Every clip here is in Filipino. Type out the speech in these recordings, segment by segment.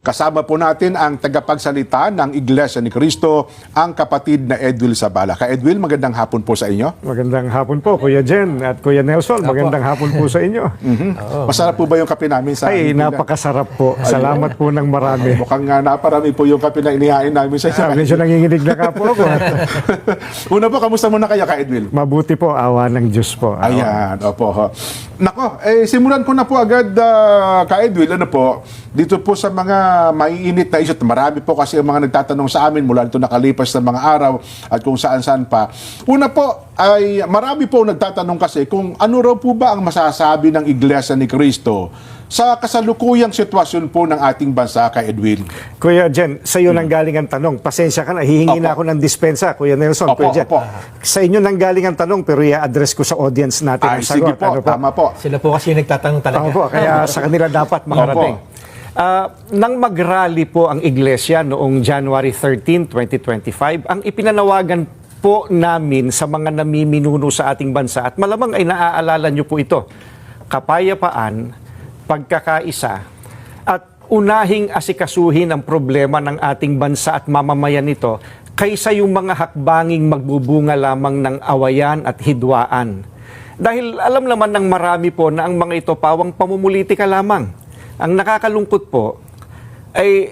Kasama po natin ang tagapagsalita ng Iglesia ni Cristo, ang kapatid na Edwil Zabala. Ka Edwil, magandang hapon po sa inyo. Magandang hapon po, Kuya Jen at Kuya Nelson. Magandang hapon po sa inyo. Masarap po ba yung kape namin sa Ay, napakasarap po. Salamat po ng marami. Mukhang naparami po yung kape na inihain namin sa inyo. Medyo nanginginig na ka po ako. Una po, kamusta muna kayo, Ka Edwil? Mabuti po, awa ng Diyos po. Ayan, opo. Nako, simulan ko na po agad, Ka Edwil, ano po, dito po sa mga maiinit na isyu. Marami po kasi ang mga nagtatanong sa amin mula nito nakalipas na mga araw at kung saan-saan pa. Una po, ay marami po nagtatanong kasi kung ano raw po ba ang masasabi ng Iglesia ni Cristo sa kasalukuyang sitwasyon po ng ating bansa, Ka Edwin. Kuya Jen, sa iyo nang galing ang tanong. Pasensya ka na, hihingi na ako ng dispensa, Kuya Nelson. Opo, Kuya Jen. opo. Sa inyo nang galing ang tanong, pero i-address ko sa audience natin ang Sige sagot. po, Ano tama po. Sila po kasi nagtatanong talaga. Opo, kaya sa kanila dapat makarating. Nang mag-rally po ang Iglesia noong January 13, 2025, ang ipinanawagan po namin sa mga namiminuno sa ating bansa, at malamang ay naaalala nyo po ito, kapayapaan, pagkakaisa, at unahing asikasuhin ang problema ng ating bansa at mamamayan nito kaysa yung mga hakbanging magbubunga lamang ng awayan at hidwaan. Dahil alam naman ng marami po na ang mga ito pawang pamumulitika lamang. Ang nakakalungkot po ay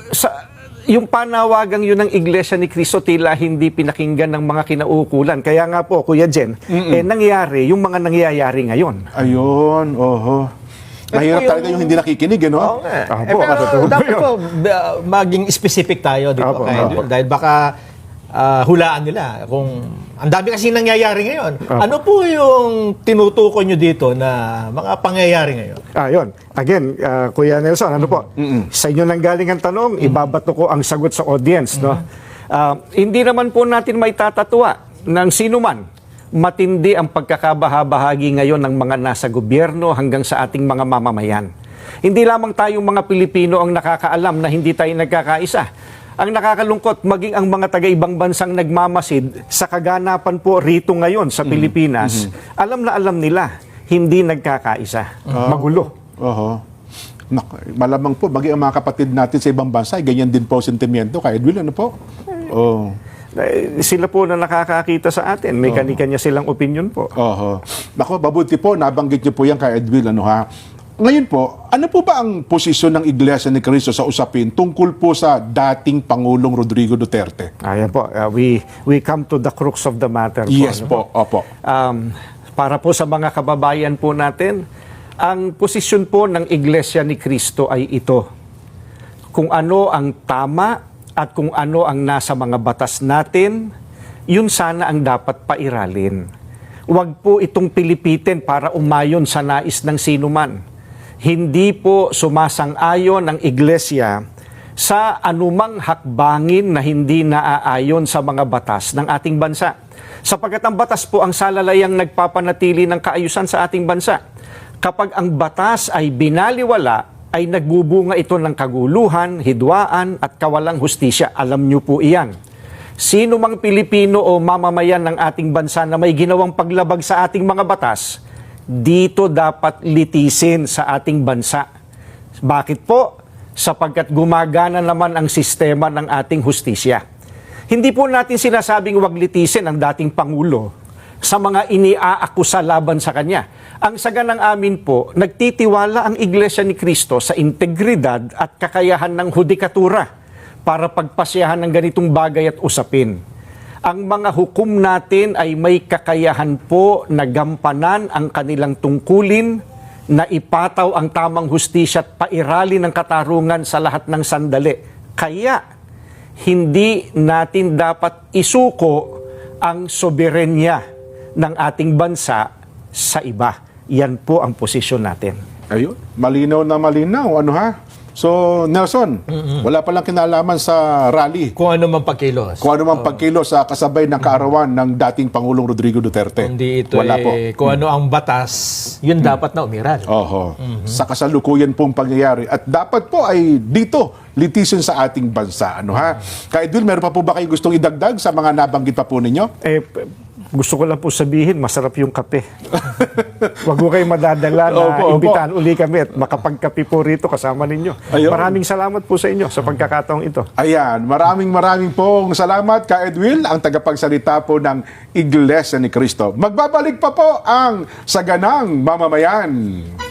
yung panawagang yun ng Iglesia ni Cristo tila hindi pinakinggan ng mga kinauukulan. Kaya nga po, Kuya Jen, nangyari yung mga nangyayari ngayon. Ayun, oho. Mahirap talaga yung hindi nakikinig, ano? Oo nga. Opo, Pero dapat po maging specific tayo dito. Opo, opo. Dahil baka hulaan nila kung ang dami kasi nangyayari ngayon. Ano po yung tinutukoy nyo dito na mga pangyayari ngayon? Yun. Again, Kuya Nelson, ano po? Sa inyo nang galing ang tanong, ibabato ko ang sagot sa audience. No? Hindi naman po natin may tatatwa ng sino man. Matindi ang pagkakabahabahagi ngayon ng mga nasa gobyerno hanggang sa ating mga mamamayan. Hindi lamang tayong mga Pilipino ang nakakaalam na hindi tayo nagkakaisa. Ang nakakalungkot, maging ang mga taga-ibang bansang nagmamasid sa kaganapan po rito ngayon sa Pilipinas, alam na alam nila, hindi nagkakaisa. Magulo. Oho. Malamang po, maging ang mga kapatid natin sa ibang bansa, ganyan din po sentimiento. Ka Edwin, ano po? Oh. Sila po na nakakakita sa atin. May kanya-kanya silang opinion po. Oho. Nako, mabuti po, nabanggit niyo po yan, Ka Edwin, ano ha? Ngayon po, ano po ba ang posisyon ng Iglesia ni Cristo sa usapin tungkol po sa dating Pangulong Rodrigo Duterte? Ayan po, we come to the crux of the matter. Yes ano po, opo. Para po sa mga kababayan po natin, ang posisyon po ng Iglesia ni Cristo ay ito. Kung ano ang tama at kung ano ang nasa mga batas natin, yun sana ang dapat pairalin. Huwag po itong pilipitin para umayon sa nais ng sinuman. Hindi po sumasang-ayon ang Iglesia sa anumang hakbangin na hindi naaayon sa mga batas ng ating bansa. Sapagkat ang batas po ang salalayang nagpapanatili ng kaayusan sa ating bansa. Kapag ang batas ay binaliwala, ay nagbubunga ito ng kaguluhan, hidwaan at kawalang hustisya. Alam niyo po iyan. Sino mang Pilipino o mamamayan ng ating bansa na may ginawang paglabag sa ating mga batas, dito dapat litisin sa ating bansa. Bakit po? Sapagkat gumagana naman ang sistema ng ating hustisya. Hindi po natin sinasabing wag litisin ang dating Pangulo sa mga iniaakusa laban sa kanya. Ang saganang amin po, nagtitiwala ang Iglesia ni Cristo sa integridad at kakayahan ng hudikatura para pagpasyahan ng ganitong bagay at usapin. Ang mga hukom natin ay may kakayahan po na gampanan ang kanilang tungkulin, na ipataw ang tamang hustisya at pairali ng katarungan sa lahat ng sandali. Kaya, hindi natin dapat isuko ang soberenya ng ating bansa sa iba. Yan po ang posisyon natin. Ayun, malinaw na malinaw. Ano ha? So, Nelson, wala palang kinalaman sa rally. Kung ano man pagkilos. Kung ano mang pagkilos sa kasabay ng kaarawan ng dating Pangulong Rodrigo Duterte. Hindi ito wala po. kung ano ang batas, yun dapat na umiral. Oho. Sa kasalukuyan pong pangyayari. At dapat po ay dito, litisyon sa ating bansa. Ano ha? Ka Edwin, meron pa po ba kayong gustong idagdag sa mga nabanggit pa po ninyo? gusto ko lang po sabihin, masarap yung kape. Wag ko kayo madadala na Opo. imbitahan uli kami at makapagkape po rito kasama ninyo. Ayun. Maraming salamat po sa inyo sa pagkakataong ito. Ayan, maraming pong salamat ka Edwin, ang tagapagsalita po ng Iglesia ni Cristo. Magbabalik pa po ang Saganang Mamamayan.